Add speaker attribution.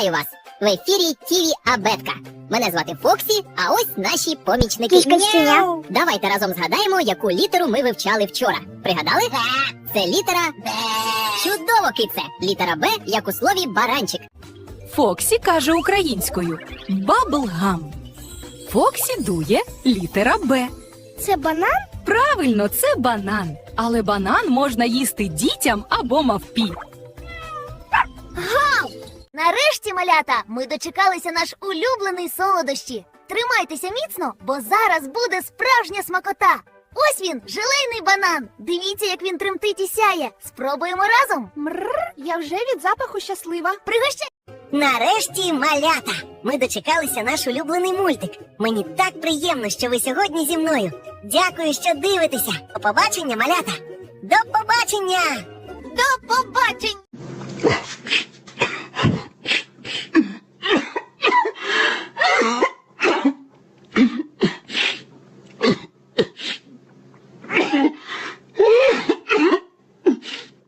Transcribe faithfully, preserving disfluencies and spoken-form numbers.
Speaker 1: Вітаю вас! В ефірі Тіві Абетка. Мене звати Фоксі, а ось наші помічники.
Speaker 2: Кішка Щеня.
Speaker 1: Давайте разом згадаємо, яку літеру ми вивчали вчора. Пригадали? Це літера Б. Чудово, кице! Літера Б, як у слові баранчик.
Speaker 3: Фоксі каже українською «баблгам». Фоксі дує літера Б.
Speaker 2: Це банан?
Speaker 3: Правильно, це банан. Але банан можна їсти дітям або мавпі.
Speaker 4: Нарешті, малята, ми дочекалися наш улюблений солодощі. Тримайтеся міцно, бо зараз буде справжня смакота. Ось він, желейний банан. Дивіться, як він тремтить і сяє. Спробуємо разом.
Speaker 2: Мррр, я вже від запаху щаслива.
Speaker 4: Пригощай.
Speaker 1: Нарешті, малята! Ми дочекалися наш улюблений мультик. Мені так приємно, що ви сьогодні зі мною. Дякую, що дивитеся. До побачення, малята! До побачення!
Speaker 4: До побачення!